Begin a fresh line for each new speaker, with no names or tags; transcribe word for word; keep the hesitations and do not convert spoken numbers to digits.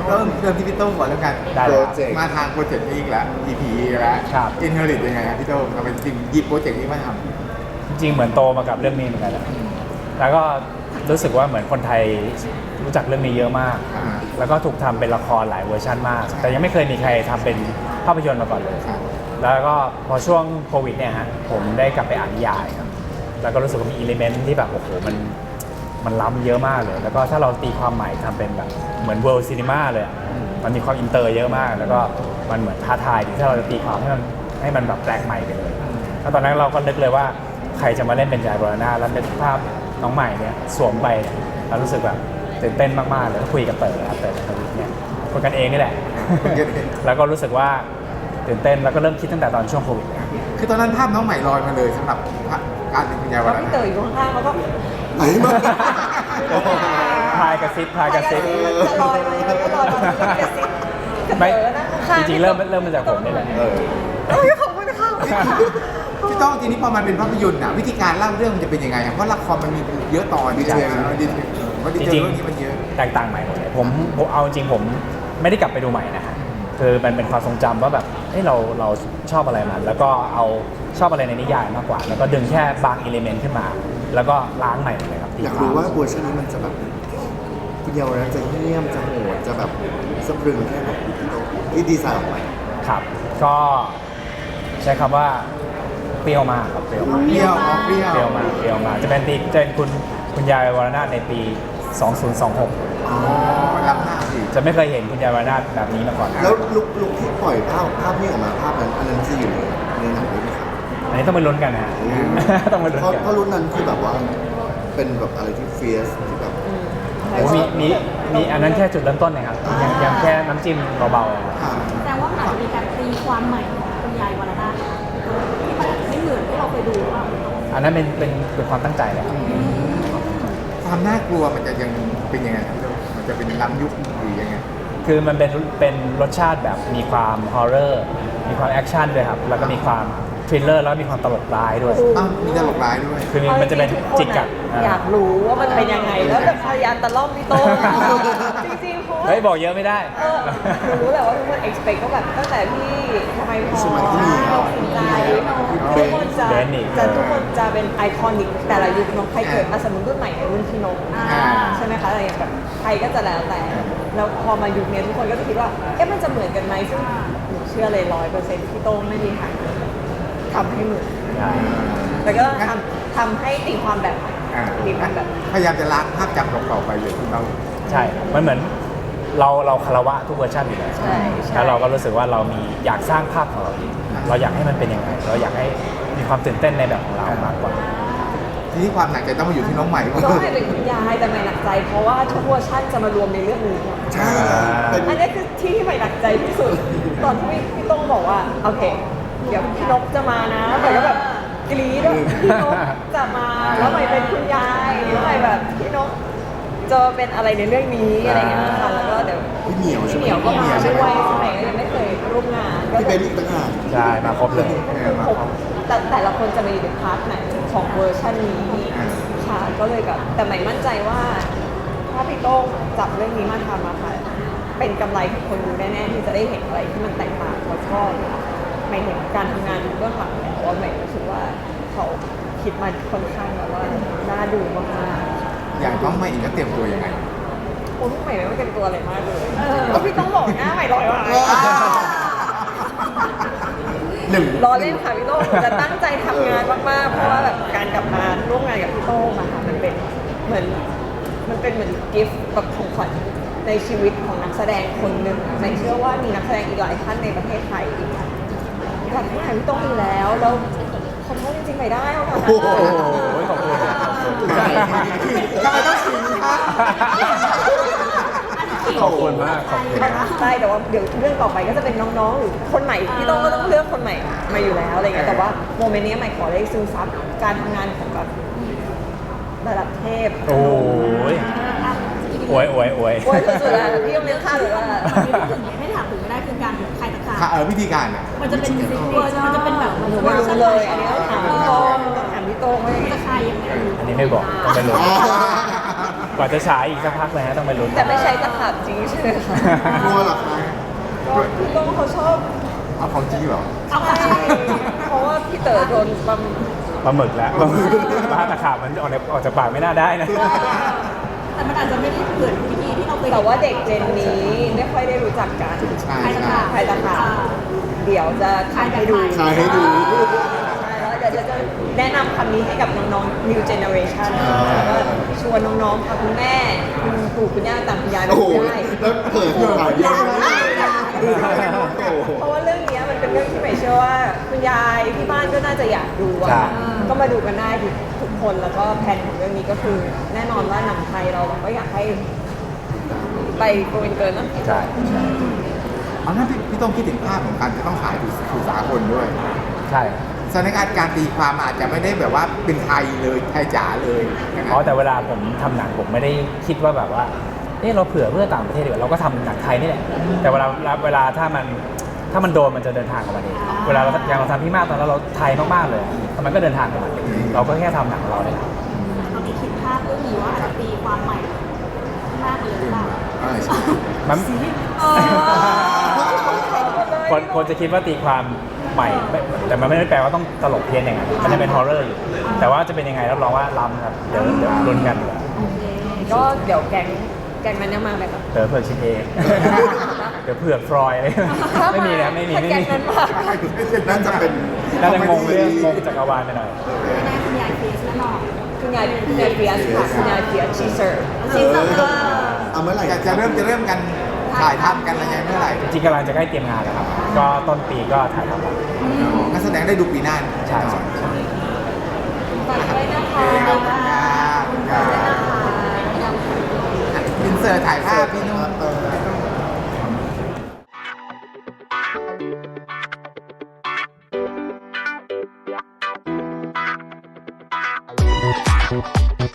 เริ่มเริ่มที่พี่โต้งก่อนแล้วกัน
ได้
โป
เลย
ร
ครับ
เจกต์มาทางโปรเจกต์นี้อีกแล้ว อี พี อีกแล้ว
ครับ
อินเฮอริตยังไงครับพี่โต้งทำไมจริงหยิบโปรเจกต์นี้มาท
จริงๆเหมือนโตมากับเรื่องนี้เหมือนกันแหละแล้วก็รู้สึกว่าเหมือนคนไทยรู้จักเรื่องนี้เยอะมาก
ำอ่า
แล้วก็ถูกทำเป็นละครหลายเวอร์ชันมาก แต่ยังไม่เคยมีใครทำเป็นภาพยนตร์มาก่อนเลย
ครับ
แล้วก็พอช่วงโควิดเนี่ยฮะผมได้กลับไปอ่านนิยายครับแล้วก็รู้สึกว่ามีอิเลเมนต์ที่แบบโอ้โหมันมันล้ำเยอะมากเลย แล้วก็ถ้าเราตีความใหม่ทำเป็นแบบเหมือนเวิลด์ซีนีมาเลยอะมันมีความอินเตอร์เยอะมาก แล้วก็มันเหมือนท้าทายที่ถ้าเราจะตีความให้มันให้มันแบบแปลกใหม่ไปเลยแล้วตอนนั้นเราก็นึกเลยว่าใครจะมาเล่นเป็นยายบรณาแล้วเป็นภาพน้องใหม่เนี่ยสวมไปเนี่ยเรารู้สึกแบบตื่นเต้นมากๆเลยคุยกับเต๋อครับเต๋อทวิทเนี่ยคุยกันเองนี่แหละ แล้วก็รู้สึกว่าตื่นเต้นแล้วก็เริ่มคิดตั้งแต่ตอนช่วงโควิด
คือตอนนั้นภาพน้องใหม่ลอยมาเลยสำหรับการเป็นคุณยายวั
แล้ว
น
พี่
นั้น
เต๋ออยู่ข้างๆแล้วก็
ไหนมา
พายกระซิบพายกระซิบ
จะลอยมาแล้วก็ลอยมากระซิบกระ
ไม่
เต๋อนะข้าง
จริงๆเริ่มเริ่มมาจากผมนี่แหละ
เออ
เอ้ยขอบคุณค่ะ
พี่โต้องทีนี้พอมันเป็นภาพยนตร์อะวิธีการเล่าเรื่องมันจะเป็นยังไงอะเพราะละครมันมีเยอะตอนดีเทลดีเทลว่าดี
จ
เทล
ริง
เรื่องนี้มันเยอะ
ๆแตกต่างใหม่หมดเลยผมผมเอาจริงผมไม่ได้กลับไปดูใหม่นะฮะคือมันเป็นความทรงจำว่าแบบเฮ้ยเราเราชอบอะไรมันแล้วก็เอาชอบอะไรในนิยายมากกว่า แล้วก็ดึงแค่บางอิเลเมนต์ขึ้นมา แล้วก็ล้างใหม่หมดเลยครับ
อยากรู้ว่าเวอร์ชันนี้มันจะแบบคุณเยาวรัตน์จะเงียบจะโหดจะแบบสะพรึงแค่ไหนที่ดีไซน์ออกมา
ครับ ก็ใช้คำว่าเปรี้ยวมากครับเปรี้ยวมาก
เปรี้ยวอ๋อเปรี้ยว
เปรี้ยวมากเปรี้ยวมากจะเป็นตีจะเป็นคุณคุณยายวรนาถในปี สองพันยี่สิบหก
อ๋อรับหน้าสิ
จะไม่เคยเห็นคุณยายวรนาถแบบนี้มาก่อน
แล้วลุกลุกที่ปล่อยภาพภาพนี้ออกมาภาพนั้นอันนั้นจะอยู่ในในหนังด้วยไหมครับ
อันนี้ต้องไปลุ้นกันนะฮะ ต้องไปลุ้น
เพราะ
กัน
เพราะรุ่นนั้นคือแบบว่าเป็นแบบอะไรที่เฟียสที่แบบ
โอ้มีมีมีอันนั้นแค่จุดเริ่มต้นนะครับยังยังแค่น้ำจิ้มเบาๆอะครับ
อ่า
แสดงว่ามันอาจจะมีการตีความใหม่ของคุณยายวรนาถที่มันอาจจะไม่เหมือนที่เราเคยดูหรือเปล่า
อันนั้นเป็นเป็นเป็นความตั้งใจเลยครับ
ความน่ากลัวมันจะยังเป็นยังไงครับพี่โต้งมันจะเป็นล้ำยุคหรือยังไง
คือมันเป็นเป็นรสชาติแบบมีความฮอร์เรอร์มีความแอคชั่นด้วยครับแล้วก็มีความทริลเลอร์แล้วมีความตลกร้ายด้วย
อ้าวมีตลกร้ายด้วย
คือมันจะเป็นจิกกัด
อยากรู้ว่ามันเป็นยังไง แล้วแบบพยายามตะล่อมพี่โต้งจริงๆเพราะว่า
เฮ้ยบอกเยอะไม่ได้
เออหนูรู้แหละว่าทุกคน expect ก็แบบตั้งแต่พี่ทำไมพอ
สมัยที่มี
เราสนใจทุกคนจะ
เบนอีก
จะทุกคนจะเป็นไอคอนิกแต่ละยุคเนกใครเกิดมาสมมติรุ่นใหม่ในรุ่นพี่นก
อ่า
ใช่ไหมคะอะไรอย่างแบบใครก็จะแล้วแต่ แล้วพอมายุคนี้ทุกคนก็จะคิดว่า เอ๊ะมันจะเหมือนกันไหมซึ่งหนูเชื่อเลยร้อยเปอร์เซ็นต์พี่โต้งไม่มีทางทำให้เหมือน
ใช่
แต่ก็ทำทำให้ตีความแบบใหม่
อ่า
ตีความแบบ
พยายามจะล้างภาพจำเก่าๆไปเลยคุณเรา
ใช่ มันเหมือนเราเราคารวะทุกเวอร์ชันอยู่แล้ว
ใช่ใช่
แล้วเราก็รู้สึกว่าเรามีอยากสร้างภาพของเราเองเราอยากให้มันเป็นยังไง เราอยากให้มีความตื่นเต้นในแบบของเรามากกว่า
ทีนี้ความหนักใจต้องมาอยู่ที่น้องใหม่ว่า
ก็ให้เป็นคุณยายแต่ไม่หนักใจ เพราะว่าทุกเวอร์ชันจะมารวมในเรื่องนี้หมด
ใช่เป็น
อันนี้คือที่ที่ใหม่หนักใจที่สุด ตอนที่พี่ต้องบอกว่าโอเค เดี๋ยวพี่นกจะมานะใหม่ก็แบบกรี๊ดว่าพี่นกจะมาแล้วใหม่เป็นคุณยายแล้วใหม่แบบพี่นกจะเป็นอะไรในเรื่องนี้อะไรอย่างเงี้ยค่ะแล้วก็เดี๋ยว
พี่เหมียวใช่
พี่
ไหม
เหมียวก็มาด้วยสมัยก็ยังไม่เคยร่วมงานก็
พี่
จะ
เบนอีกต่างหาก
ใช่ มาครบเลย
ผมแต่แต่ละคนจะมาอยู่ในพาร์ทไหนของเวอร์ชันนี้ค่ะก็เลยแบบแต่ใหม่มั่นใจว่า ถ้าพี่โต้งจับเรื่องนี้มาทำอะค่ะเป็นกำไรของคนดูแน่ๆที่จะได้เห็นอะไรที่มันแตกต่างแล้วก็หมายถึงการทำงานเบื้องหลังเนี่ยเพราะว่าใหม่รู้สึกว่าเขาคิดมาค่อนข้างแบบว่าน่าดูมากๆ
อย่างน้องใหม่อีกก็เตรียมตัวยังไง
คุณใหม่ไม่เป็นตัวอะไรมากเลยแล้วพี่ต้องบอกหน้าใหม่ลอยว่ะ
หนึ่ง
รอเล่นค่ะพี่โต้งจะตั้งใจทำงานมากๆ เพราะว่าแบบการกลับมาร่วมงานกับพี่โต้งอะค่ะมันเป็นเหมือนมันเป็นเหมือนกิฟต์แบบของขวัญในชีวิตของนักแสดงคนหนึ่งใหม่เชื่อว่ามีนักแสดงอีกหลายท่านในประเทศไทยอีกอยากทำงานพี่โต้งอยู่แล้วแล้วขอโทษจริงๆไม่ได้เอาค่ะ
โอ้โหขอบคุณครับขอบคุณ
ทำไมต้องชิงคะ
ขอบคุณมาก ขอบคุณมาก
ใช่แต่ว่าเดี๋ยวเรื่องต่อไปก็จะเป็นน้องๆหรือคนใหม่พี่โต้งก็ต้องเลือกคนใหม่มาอยู่แล้วอะไรเงี้ยแต่ว่าโมเมนต์นี้ใหม่ขอได้ซึมซับการทำงานของแบบระดับเทพ
โอ้ยอวยอวยอวย
โอ้ยสุดๆแล้วพี่ต้องเลี้ยงข้าวหรือว่า
มีถึงไม่ถามถึงไม่ได้คือการใครตะขาบ
ค่ะเออวิธีการอ่ะ
มันจะเป็นเวอร์มันจะเป็นแบบ
หนูไม่รู้เลย อันนี้ต้องถามพี่โต้งต้องถามพี่โต้งว่ายังไง
จะใครยังไง
อันนี้ไม่บอกต้องไปลุ้นกว่าจะฉายอีกสักพักเลยฮะต้องไปลุ้น
แต่ไม่ใช้ตะขาบจริงใช่ไหมคะ
กลัวเหรอคะ
ก็พี่โต้งเขาชอบ
เอาของจริงเหรอ
เอาไป
ใช่เพราะว่าพี่เต๋อโดนปั๊ม
ปลาหมึกแล้วปลาหมึกปลาตะขาบมันออกในออกจากปากไม่น่าได้นะ
แต่มันอาจจะไม่ได้เหมือนวิธีที่เราเคย
แต่ว่าเด็กเจนนี้ไม่ค่อยได้รู้จักกัน
ใช่
ใคร
ใช่
ต่าง
ใครต่างหากเดี๋ยวจะทำให้ดู
ขายให้ดู
ใช่แล้วเดี๋ยวจะจะแนะนำคำนี้ให้กับน้องๆ new generation แล้วก็ชวนน้องๆค่ะคุณแม่คุณปู่คุณย่าต่างคุณยายมา
โอ้โห
ดูได้
แล้วเปิดขายเยอะมากโอ้โห
เพราะว่าเรื่องเนี้ยมันเป็นเรื่องที่ใหม่เชื่อว่าคุณยายที่บ้านก็น่าจะอยากดูอะ
ใช่
ก็มาดูกันได้ทุกทุกคนแล้วก็แผนของเรื่องนี้ก็คือ แน่นอนว่าหนังไทยเราเราก็อยากให้ไปโกลเกินนะ
ใช่ใช่
เอานั้นพี่พี่ต้องคิดถึงภาพของการจะต้องขายสู่สากลด้วย
ใช่
สถานการณ์การตีความอาจจะไม่ได้แบบว่าเป็นไทยเลยไทยจ๋าเลยนะค
อ๋
รั
อบ แต่เวลาผมทำหนังผมไม่ได้คิดว่าแบบว่าเออเราเผื่อเพื่อต่างประเทศดีกว่าเราก็ทำหนังไทยนี่แหละแต่เวลาเวลาถ้ามันถ้ามันโดนมันจะเดินทางกับมันเองเวลาเราอย่างเราทำพี่มากตอนนั้นเราไทยมากๆเลยแต่มันก็เดินทางกับมันเราก็แค่ทำหนังของเราเนี่ย
ตอนนี้คิดภาพเรื่องนี้ว่าอาจจะตีความใหม่มากเลยหรือเปล่า
เออใช่
มัน
เออ
คนคนจะคิดว่าตีความใหม่ไม่แต่มันไม่ได้แปลว่าต้องตลกเพี้ยนอย่างนั้นมันจะเป็นฮอร์เรอร์อยู่ แต่ว่าจะเป็นยังไงรับรองว่าล้ำครับเดี๋ยวเดี๋ยวลุ้นกันดีกว่า
โอเค
ก็เดี๋ยวแกงแกงนั้นยังมาไหมคะ
เดี๋ยวเผือกชิมเอง เดี๋ยวเผือกฟรอยอะไรไม่มีนะไม่มี
ถ้า
ไม่
แกง
มี
นั้นมา
นั่นจะเป็น
น่าจะงงเรื่องงงจักรวาลไปหน่อย
ไม่แน่คุณยายเฟสแน่นอน
คุณยายคุณยายเฟียสค่ะคุณยายเฟียสชีเซอร์
ซีซั่นเออ
เอาเมื่อไหร่
จะจะเริ่มจะเริ่มกันถ่ายทำกันอะไรยังไงเมื่อไหร่
จริงๆกำลังจะใกล้เตรียมงานแล้วครับ ก็ต้นปีก็ถ่ายทำแล้ว
นักแสดงได้ดูปีหน้า
ใช่ใช่ใช่
ฝากด้วยนะคะ
ขอบคุณครับขอบคุณครับ
ฝากด้วยนะคะ
อินเสิร์ตถ่ายภาพพี่นุ่ม
เออ
Thank you.